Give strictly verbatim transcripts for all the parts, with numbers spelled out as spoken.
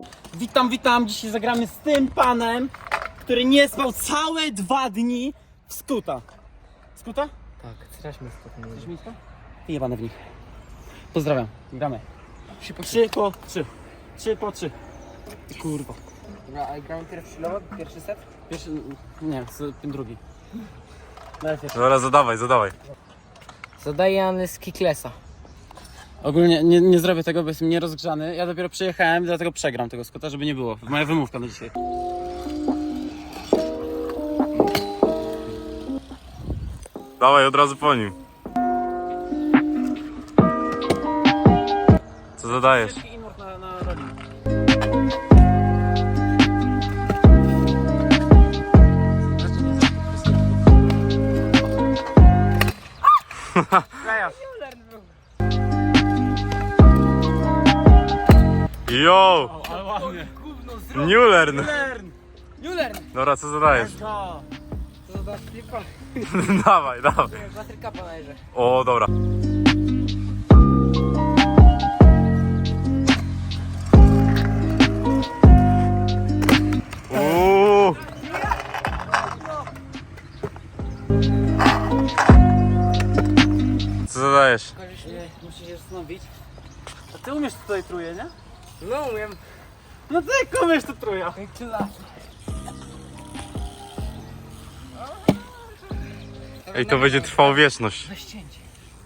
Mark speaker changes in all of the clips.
Speaker 1: Witam, witam. Dzisiaj zagramy z tym panem, który nie spał całe dwa dni w skuta. Skuta?
Speaker 2: Tak, strasznie spokojnie.
Speaker 1: Chcesz mieć to? Ty jebane w nich. Pozdrawiam. Gramy.
Speaker 2: Trzy po
Speaker 1: Trzy po trzy. Trzy po trzy. Ty kurwa.
Speaker 2: Dobra, a gramy pierwszy lot, pierwszy set?
Speaker 1: Pierwszy... Nie, ten drugi. Daj pierwszy.
Speaker 3: Dobra, zadawaj, zadawaj.
Speaker 2: Zadaję z Kiklesa.
Speaker 1: Ogólnie nie, nie zrobię tego, bo jestem nierozgrzany. Ja dopiero przyjechałem, dlatego przegram tego skuta, żeby nie było. Moja wymówka na dzisiaj.
Speaker 3: Dawaj od razu po nim. Co zadajesz?
Speaker 1: Inward na, na roli.
Speaker 3: Yo!
Speaker 1: Ale ładnie.
Speaker 3: New learn!
Speaker 1: Learn!
Speaker 2: Juler!
Speaker 3: Dobra, co zadajesz?
Speaker 1: Go!
Speaker 2: To zadasz flipa?
Speaker 3: Dawaj, dawaj.
Speaker 2: Batryka podajże.
Speaker 3: O, dobra. Uuu. Co zadajesz?
Speaker 1: Nie, musisz się zastanowić. A ty umiesz tutaj truje, nie?
Speaker 2: No umiem.
Speaker 1: No ty jak umiesz to truja?
Speaker 2: Jak ty lat.
Speaker 3: Ej, to będzie trwało wieczność.
Speaker 2: Na ścięcie.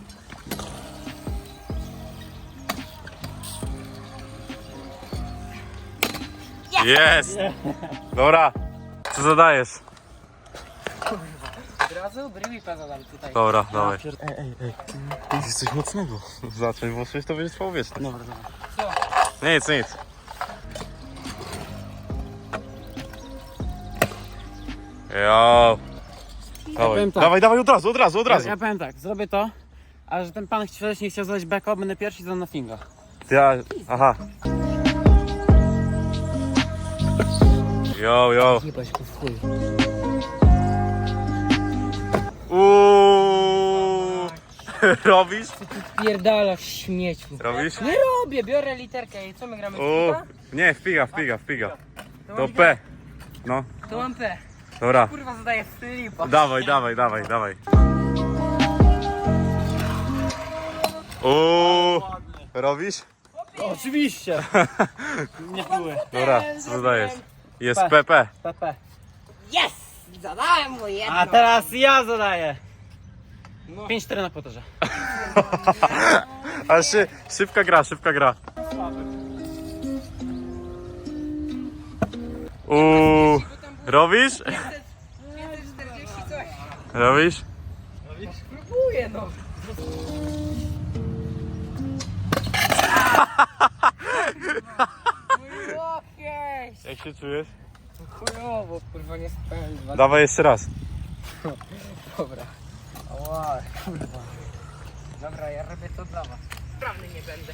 Speaker 3: Jest! Dobra. Co zadajesz?
Speaker 2: Od razu brywipa zadam tutaj.
Speaker 3: Dobra, dawaj.
Speaker 1: Ej, ej, ej.
Speaker 3: Jest coś mocnego. Zacząć, bo coś to będzie trwało wieczność.
Speaker 1: Dobra, dobra.
Speaker 2: Co?
Speaker 3: Nic, nic. Jo. Dawaj.
Speaker 1: powiem tak.
Speaker 3: dawaj, dawaj od razu, od razu, od
Speaker 1: Ja,
Speaker 3: razu.
Speaker 1: ja powiem tak, zrobię to, a że ten pan wcześniej chciał zadać backup, będę pierwszy i zadam na finga.
Speaker 3: Ja, aha. Jo, jo.
Speaker 2: Jebać go w chuj.
Speaker 3: Uuuu. Robisz?
Speaker 2: Pierdalasz śmieciu.
Speaker 3: Robisz?
Speaker 2: Nie robię, biorę literkę i co my gramy?
Speaker 3: Uuu.
Speaker 2: Flipa?
Speaker 3: Nie, wpiga, wpiga, wpiga.
Speaker 2: To
Speaker 3: To
Speaker 2: mam
Speaker 3: P. No,
Speaker 2: To mam P.
Speaker 3: dobra.
Speaker 2: Kurwa zadaję flipa.
Speaker 3: Dawaj, dawaj, dawaj, dawaj. Uuu. Robisz?
Speaker 1: O, oczywiście! Nie były.
Speaker 3: Dobra, co zadajesz? Jest
Speaker 1: P.
Speaker 3: P P.
Speaker 1: P P.
Speaker 2: Yes! Zadałem mu jedno.
Speaker 1: A teraz ja zadaję!
Speaker 2: No.
Speaker 1: pięć cztery na kwoterze.
Speaker 3: Ale szy, szybka gra, szybka gra. Uuu. Robisz?
Speaker 2: pięćset czterdzieści coś.
Speaker 3: Robisz?
Speaker 2: Próbuję no. Mój łokieć.
Speaker 3: Jak się czujesz?
Speaker 2: Chujowo, kurwa nie spałem dwa.
Speaker 3: Dawaj jeszcze raz.
Speaker 2: Dobra. Ała, kurwa. Dobra, ja robię to dla was. Sprawny nie będę.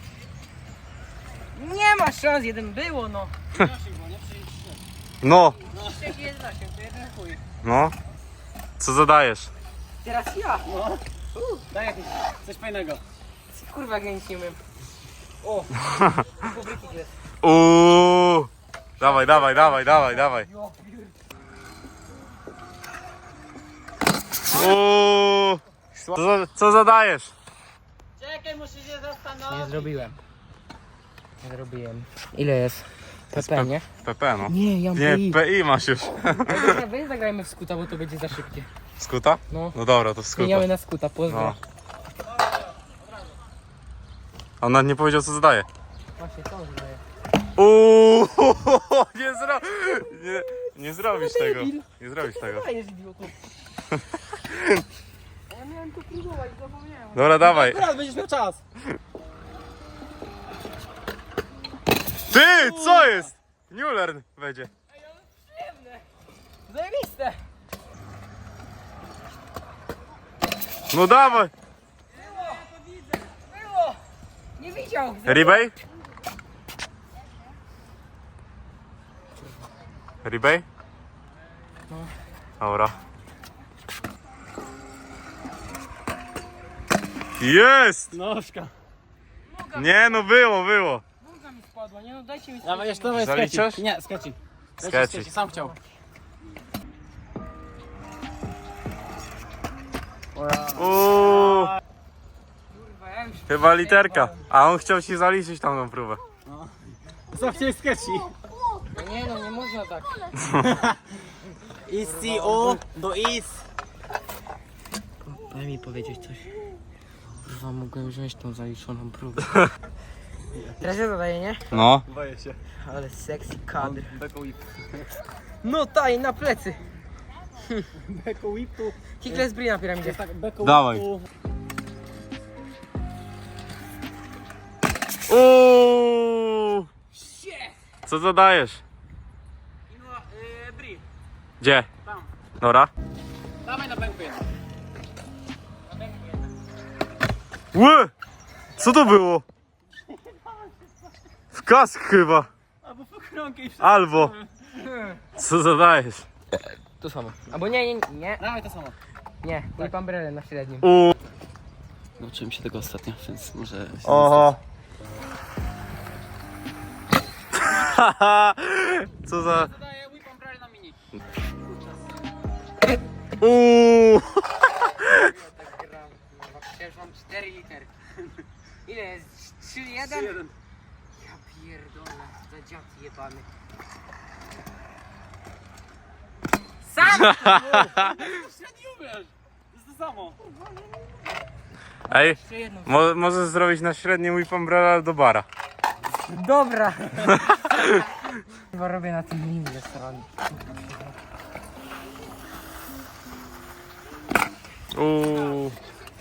Speaker 2: Nie ma szans, jeden było no.
Speaker 3: No,
Speaker 2: Trzech jest osiem, to jeden chuj.
Speaker 3: no. Co zadajesz?
Speaker 2: Teraz ja.
Speaker 1: No. Daj jakieś, coś fajnego.
Speaker 2: Kurwa, jak ja nic nie umiem. O, pobryki jest.
Speaker 3: Uuu. Dawaj, dawaj, dawaj, dawaj, dawaj.
Speaker 2: Jo, pier-
Speaker 3: Uuu. Co, za- co zadajesz?
Speaker 1: Czekaj, muszę się
Speaker 2: Nie
Speaker 1: zastanowić.
Speaker 2: zrobiłem. Nie zrobiłem. Ile jest? P P, nie?
Speaker 3: P P, no.
Speaker 2: Nie, ja mam
Speaker 3: Nie,
Speaker 2: P I.
Speaker 3: P I masz już.
Speaker 2: Dobra, weź zagrajmy w skuta, bo to będzie za szybkie.
Speaker 3: Skuta?
Speaker 2: No.
Speaker 3: No dobra, to skuta.
Speaker 2: Zmieniamy na skuta, pozdro.
Speaker 3: No. A on nawet nie powiedział, co zadaje.
Speaker 2: Właśnie, co on zadaje?
Speaker 3: Uuu, nie, zro... nie, nie zrobisz tego. Nie zrobisz tego.
Speaker 2: A jest idiotu. Ja miałem to próbować, zapomniałem.
Speaker 3: Dobra, dawaj.
Speaker 1: Akurat będziesz miał czas.
Speaker 3: Ty, co jest? New learn będzie.
Speaker 2: Przyjemne. Zajebiste.
Speaker 3: No dawaj.
Speaker 2: Było. Nie widział.
Speaker 3: Rebay? Rebay?
Speaker 2: No.
Speaker 3: Dobra. Jest!
Speaker 1: Nożka.
Speaker 3: Nie, no było, było.
Speaker 2: Bułka mi spadła. padła, nie no dajcie mi
Speaker 1: Dawaj, jeszcze dawaj,
Speaker 3: Zaliczasz?
Speaker 1: skeci. Nie, skeci.
Speaker 3: Skeci.
Speaker 1: Skeci, sam chciał.
Speaker 3: Uuu,
Speaker 2: Kurwa, ja już...
Speaker 3: chyba literka. A on chciał ci zaliczyć tamtą próbę.
Speaker 1: Co chciałeś skeci?
Speaker 2: No nie no, nie można tak.
Speaker 1: I C O do is.
Speaker 2: Daj mi powiedzieć coś. Kurwa, mogłem wziąć tą zaliczoną próbę. Teraz ja zadaję, nie?
Speaker 3: No.
Speaker 1: Boję się.
Speaker 2: Ale sexy kadr.
Speaker 1: Beko whip.
Speaker 2: No taj, na plecy.
Speaker 1: Beko whipu.
Speaker 2: Kickless brie na piramidzie.
Speaker 1: Tak, beko
Speaker 3: Dawaj.
Speaker 1: whipu.
Speaker 3: Uuu, co zadajesz?
Speaker 1: No, yy, bri.
Speaker 3: Gdzie?
Speaker 1: Tam.
Speaker 3: Dobra.
Speaker 1: Dawaj na bęku jedno.
Speaker 3: Ły! Co to było? W kask chyba.
Speaker 1: Albo po kronkę i wszystko.
Speaker 3: Albo. Co zadajesz?
Speaker 2: To samo. Albo nie, nie, nie.
Speaker 1: Dawaj to samo.
Speaker 2: Nie, whip umbrella na średnim.
Speaker 3: Uuu.
Speaker 1: Nauczyłem się tego ostatnio, więc może...
Speaker 3: Oho. Co za...
Speaker 1: Zadaję whip umbrella na mini.
Speaker 3: Uuu.
Speaker 2: Przecież mam cztery litery. Ile jest? trzy jeden?
Speaker 1: jeden.
Speaker 2: Ja pierdolę, za dziad jebany. Sam!
Speaker 1: Średni umiesz. To jest to samo.
Speaker 3: Ej,
Speaker 2: Jeszcze jedną.
Speaker 3: mo możesz zrobić na średnim whip umbrella do bara.
Speaker 2: Dobra. Chyba robię na tym mini restaurant.
Speaker 3: Uuu.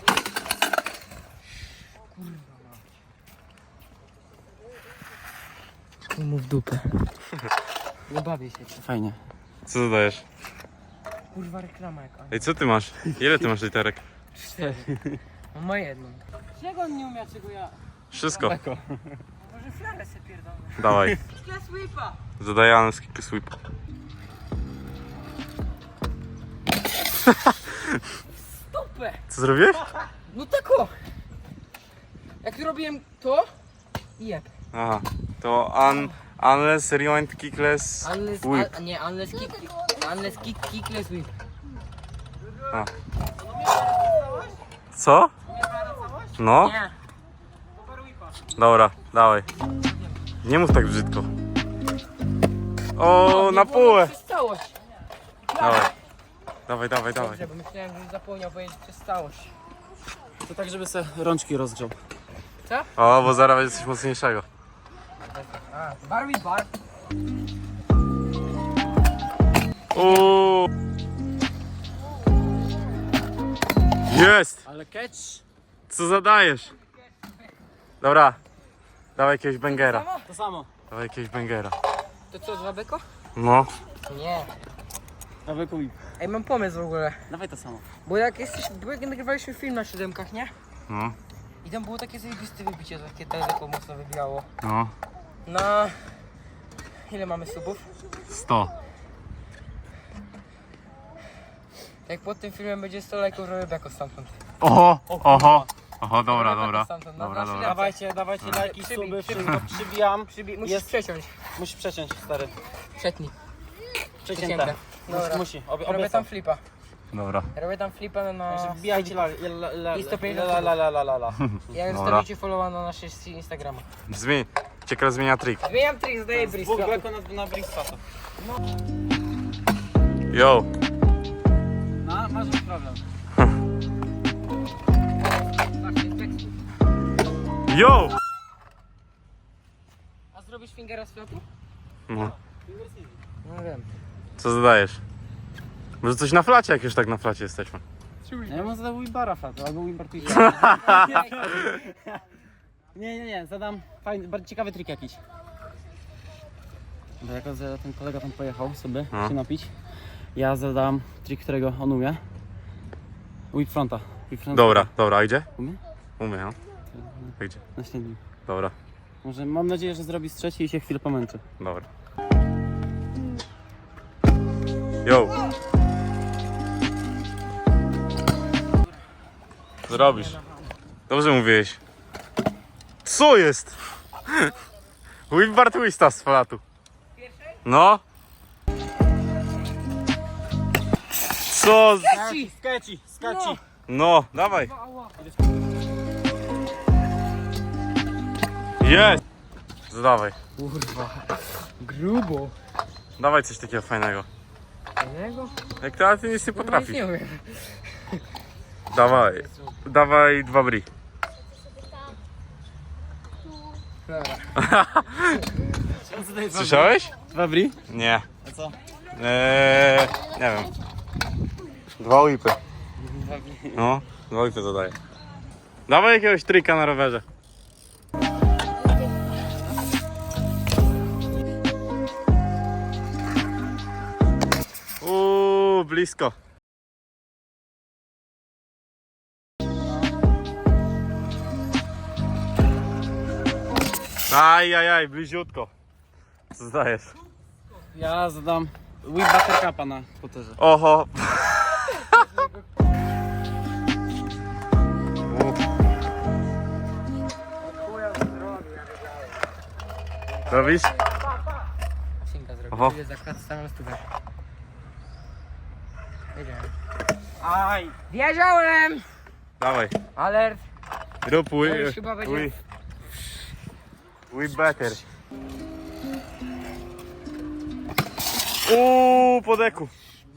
Speaker 2: Mu w dupę. Nie bawię się.
Speaker 1: Fajnie.
Speaker 3: Co zadajesz?
Speaker 2: Kurwa reklama jaka.
Speaker 3: Ej, co ty masz? Ile ty masz literek?
Speaker 2: Cztery. Mam ma jedną. Czego on nie umie, czego ja?
Speaker 3: Wszystko.
Speaker 1: Beko.
Speaker 2: Może flarę se pierdolę.
Speaker 3: Dawaj.
Speaker 2: Kickless whipa.
Speaker 3: Zadajany z kick sweep.
Speaker 2: Dupę.
Speaker 3: Co zrobiłeś?
Speaker 2: No tak o. Jak tu robiłem to i jeb.
Speaker 3: Aha. To un, unless rewind kickless
Speaker 2: Unless,
Speaker 3: whip.
Speaker 2: a, nie, unless kick, unless kick, kickless whip.
Speaker 3: A. Co? No?
Speaker 2: Nie.
Speaker 3: Dobra, dawaj. Nie mów tak brzydko. O, na półę.
Speaker 2: Przez całość.
Speaker 3: Dawaj. Dawaj, dawaj, dawaj.
Speaker 2: Dobrze, bo myślałem, że zapomniał powiedzieć przez całość.
Speaker 1: To tak, żeby se rączki rozgrzał.
Speaker 2: Co?
Speaker 3: O, bo zaraz będzie coś mocniejszego.
Speaker 2: A, Barbie bar.
Speaker 3: Uuu. Jest!
Speaker 1: Ale catch.
Speaker 3: Co zadajesz? Dobra. Dawaj jakiegoś bangera.
Speaker 1: To samo.
Speaker 3: Dawaj jakiegoś bangera.
Speaker 2: To co, dwa beko?
Speaker 3: No.
Speaker 2: Nie.
Speaker 1: Na beko whip.
Speaker 2: Ej, mam pomysł w ogóle.
Speaker 1: Dawaj to samo.
Speaker 2: Bo jak jesteś, bo jak nagrywaliśmy film na siódemkach, nie?
Speaker 3: No.
Speaker 2: I tam było takie zajebiste wybicie, takie teleko mocno wybijało.
Speaker 3: No.
Speaker 2: Na... Ile mamy subów?
Speaker 3: sto.
Speaker 2: Jak pod tym filmem będzie sto lajków, robię beko stamtąd.
Speaker 3: Oho, oho. Oho, dobra,
Speaker 2: Robię
Speaker 3: dobra.
Speaker 2: beko stamtąd, na
Speaker 3: Dobra,
Speaker 2: nasze
Speaker 3: dobra.
Speaker 2: ręce.
Speaker 1: Dawajcie, dawajcie lajki,
Speaker 2: Przybij,
Speaker 1: suby,
Speaker 2: przybij.
Speaker 1: wszystko przybijam.
Speaker 2: Przybi- musisz
Speaker 1: Jest.
Speaker 2: przeciąć.
Speaker 1: Musisz przeciąć, stary.
Speaker 2: Przetnij.
Speaker 1: Przecięte.
Speaker 2: Przecięte.
Speaker 1: Musi,
Speaker 2: Dobra.
Speaker 1: musi. Obie,
Speaker 2: Robię
Speaker 1: obie
Speaker 2: tam
Speaker 1: są.
Speaker 2: flipa.
Speaker 3: Dobra.
Speaker 2: Robię tam flipa na...
Speaker 1: Także wbijajcie la, la, la,
Speaker 2: I sto pięćdziesiąt
Speaker 1: la, la, la, la, la, la.
Speaker 2: Jak
Speaker 3: Dobra.
Speaker 2: zostawicie followa na naszej Instagrama.
Speaker 3: Zmień. Ciekawe zmienia trik.
Speaker 2: Zmieniam trik, zdaję bris.
Speaker 1: Dwóch beko na, na Bristasa.
Speaker 3: Yo.
Speaker 1: No, masz już problem.
Speaker 3: Yo!
Speaker 2: A zrobisz fingera z flotu?
Speaker 3: No.
Speaker 2: No wiem.
Speaker 3: Co zadajesz? Może coś na flacie, jak już tak na flacie jesteśmy.
Speaker 1: Ja bym zadał Wibara fatu, albo Wimbar Twitch. Nie, nie, nie, zadam fajny, bardzo ciekawy trik jakiś. Bo jako że ten kolega tam pojechał sobie
Speaker 3: No.
Speaker 1: się napić, ja zadam trik, którego on umie. Whip fronta. Whip fronta.
Speaker 3: Dobra, dobra, a gdzie?
Speaker 1: Umie?
Speaker 3: Umie, no. A gdzie?
Speaker 1: Na śniadaniu.
Speaker 3: Dobra,
Speaker 1: Może mam nadzieję, że zrobi z trzeci i się chwilę pomęczy.
Speaker 3: dobra. Yo! Zrobisz. Dobrze mówiłeś. Co jest? Whip bar twista z falatu. No. Co? z-
Speaker 1: Skeci, skeci, skeci.
Speaker 3: No, dawaj. Jest. Zadawaj.
Speaker 2: Kurwa. Grubo.
Speaker 3: Dawaj coś takiego fajnego.
Speaker 2: Innego?
Speaker 3: Jak ty, ale ty nic nie potrafisz.
Speaker 2: Nie umiem.
Speaker 3: Dawaj. Dawaj dwa bri.
Speaker 2: Dobra.
Speaker 3: Słyszałeś?
Speaker 1: Dwa bri?
Speaker 3: Nie.
Speaker 1: A co?
Speaker 3: Eee, nie wiem. Dwa whipy. No, dwa whipy zadaję. Dawaj jakiegoś trika na rowerze. Uuu, blisko. Aj, aj, aj, bliziutko. Co zdajesz?
Speaker 1: Ja zadam whip buttercupa na spoterze.
Speaker 3: Oho. Robisz?
Speaker 2: Sinka
Speaker 3: Oho.
Speaker 2: zrobię. Zakład samą stówę. Wiedziałem.
Speaker 1: Aj!
Speaker 2: Wiedziałem!
Speaker 3: Dawaj.
Speaker 2: Alert!
Speaker 3: Rób
Speaker 2: To
Speaker 3: wi...
Speaker 2: już chyba będzie-
Speaker 3: wi... wi better. Uuu, po deku.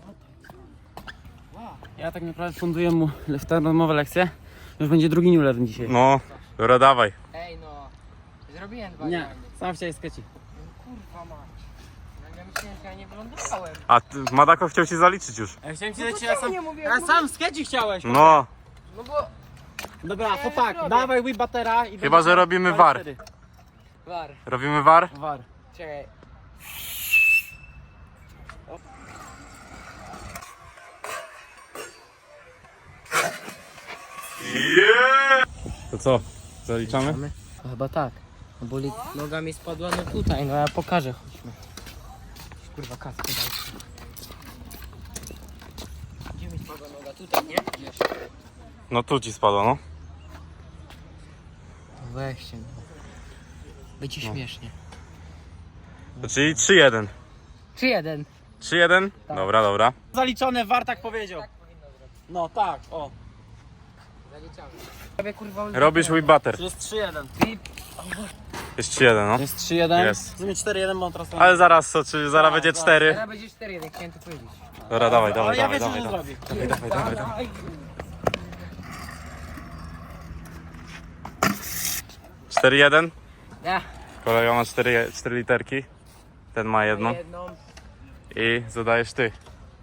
Speaker 1: Ja tak naprawdę funduję mu darmowe lekcje. Już będzie drugi new level dzisiaj.
Speaker 3: No, dobra, dawaj.
Speaker 2: Ej no. Zrobiłem dwa
Speaker 1: Nie,
Speaker 2: diamenty.
Speaker 1: sam chciałeś skeci.
Speaker 2: Kurwa mać. No ja myślałem, że ja nie wylądowałem.
Speaker 3: A ty, Madako chciał ci zaliczyć już.
Speaker 1: Ja chciałem ci
Speaker 2: No
Speaker 1: dać,
Speaker 2: to
Speaker 1: ja
Speaker 2: czemu
Speaker 1: sam,
Speaker 2: nie mówię?
Speaker 1: ja
Speaker 2: Mówię-
Speaker 1: sam skeci chciałeś.
Speaker 3: No,
Speaker 2: No bo...
Speaker 1: Dobra,
Speaker 2: Ja
Speaker 1: chłopak,
Speaker 2: zrobię.
Speaker 1: dawaj whip buttera i
Speaker 3: Chyba,
Speaker 1: będzie
Speaker 3: że robimy
Speaker 1: dwa
Speaker 3: war.
Speaker 1: cztery.
Speaker 2: War.
Speaker 3: robimy war?
Speaker 1: War.
Speaker 2: Czekaj.
Speaker 3: Yeah! To co? Zaliczamy?
Speaker 2: No chyba tak. No bo li- noga mi spadła no tutaj, no ja pokażę, chodźmy. Kurwa kaskę daj. Gdzie mi spadła noga? Tutaj, nie? Wiesz.
Speaker 3: No tu ci spadło, no.
Speaker 2: No weźcie. No. Będzie śmiesznie.
Speaker 3: To czyli trzy jeden.
Speaker 2: Czy jeden?
Speaker 3: trzy jeden?
Speaker 2: Tak.
Speaker 3: Dobra, dobra.
Speaker 1: Zaliczone, war tak powiedział. No tak, o.
Speaker 2: Zaliczamy. Robię kurwa
Speaker 3: Robisz whip butter.
Speaker 1: To jest trzy jeden.
Speaker 3: Jest trzy jeden, no.
Speaker 1: To jest trzy jeden.
Speaker 3: Jest.
Speaker 1: W sumie cztery jeden, bo on teraz...
Speaker 3: Ale zaraz co, czy zaraz będzie
Speaker 1: zaraz.
Speaker 3: cztery?
Speaker 2: Teraz będzie cztery jeden, chciałem to powiedzieć.
Speaker 3: Dobra, dawaj,
Speaker 1: Ale
Speaker 3: dawaj,
Speaker 1: ja
Speaker 3: dawaj,
Speaker 1: wiem,
Speaker 3: dawaj,
Speaker 1: co
Speaker 3: dawaj.
Speaker 1: zrobi.
Speaker 3: Dawaj, dawaj, dawaj. cztery jeden.
Speaker 2: Ja.
Speaker 3: Kolega ma cztery, cztery literki. Ten ma jedną.
Speaker 2: Jedną.
Speaker 3: I zadajesz ty.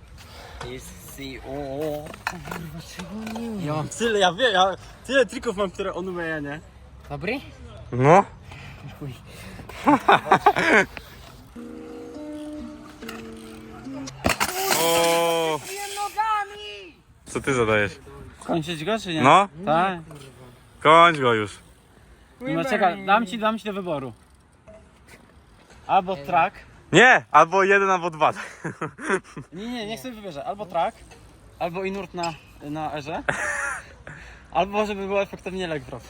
Speaker 1: Ja mam tyle, ja wiem, ja tyle trików mam, które on umie, ja nie.
Speaker 2: Dobry?
Speaker 3: No.
Speaker 2: Chuj.
Speaker 3: O,
Speaker 2: nogami!
Speaker 3: co ty zadajesz?
Speaker 1: Kończyć go, czy nie?
Speaker 3: No,
Speaker 1: Tak.
Speaker 3: kończ go już.
Speaker 1: No czekaj, dam ci, dam ci do wyboru. Albo track.
Speaker 3: Nie, albo jeden, albo dwa.
Speaker 1: Nie, nie, niech sobie wybierze. Albo track, albo inurt na, na erze. Albo żeby było efektywnie leg drop.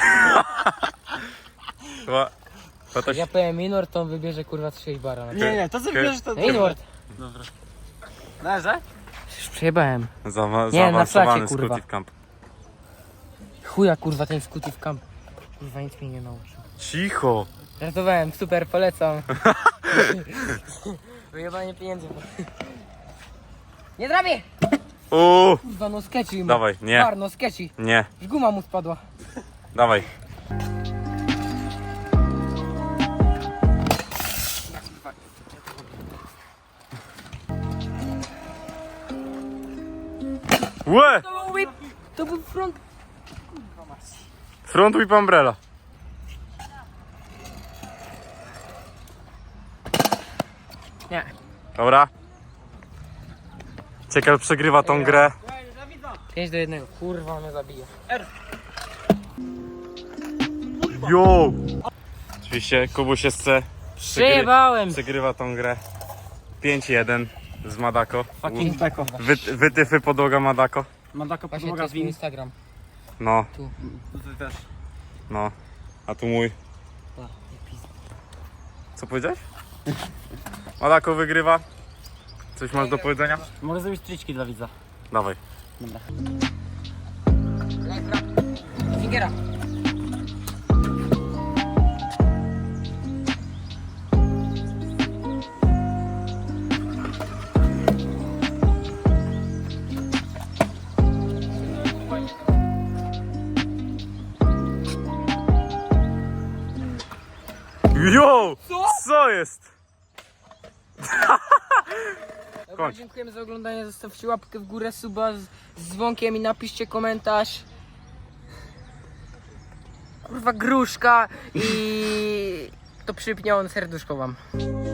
Speaker 3: Chyba, chyba to się...
Speaker 2: Ja powiem Inward, to on wybierze kurwa sześć bara. Na
Speaker 1: Nie, nie, to sobie wybierzesz to...
Speaker 2: Inward!
Speaker 1: Dobra. Na erze?
Speaker 2: Już przejebałem.
Speaker 3: Zaawa-
Speaker 2: Nie, na
Speaker 3: zaawansowany
Speaker 2: flacie, kurwa.
Speaker 3: Scooty Camp.
Speaker 2: Chuja kurwa ten Scooty w camp. Kurwa nic mnie nie nauczył.
Speaker 3: Cicho.
Speaker 2: Żartowałem, super, polecam. Wyjebanie pieniędzy. Nie trafię!
Speaker 3: Uuu,
Speaker 2: Kurwa no sketchy.
Speaker 3: dawaj, nie,
Speaker 2: Bar, no sketchy.
Speaker 3: nie,
Speaker 2: Już guma mu spadła.
Speaker 3: dawaj. Łe!
Speaker 2: To był whip! To był front.
Speaker 3: Front whip umbrella.
Speaker 2: Nie.
Speaker 3: Dobra. Ciekawe przegrywa tą grę.
Speaker 2: pięć do jednego. Kurwa mnie zabije.
Speaker 3: Jo! Oczywiście Kubuś jeszcze przegry...
Speaker 2: Przejebałem!
Speaker 3: przegrywa tą grę. pięć jeden z Madako.
Speaker 1: Fucking beko.
Speaker 3: Wy, wytyfy podłoga Madako.
Speaker 1: Mandako
Speaker 2: Właśnie to
Speaker 1: podłoga
Speaker 2: jest
Speaker 1: z
Speaker 2: mój
Speaker 1: win.
Speaker 2: Instagram.
Speaker 3: No,
Speaker 2: Tu.
Speaker 1: To ty też.
Speaker 3: no. A tu mój.
Speaker 2: Pa, nie pizd-
Speaker 3: Co powiedziałeś? Malako wygrywa. Coś masz do powiedzenia?
Speaker 1: Mogę zrobić triczki dla widza.
Speaker 3: Dawaj.
Speaker 1: Dobra.
Speaker 2: Lejfra. Fingera.
Speaker 3: Jo!
Speaker 2: Co?
Speaker 3: Co jest?
Speaker 2: Dobra,
Speaker 3: Kończ.
Speaker 2: dziękujemy za oglądanie. Zostawcie łapkę w górę, suba z, z dzwonkiem i napiszcie komentarz. Kurwa gruszka i to przypnie on serduszko wam.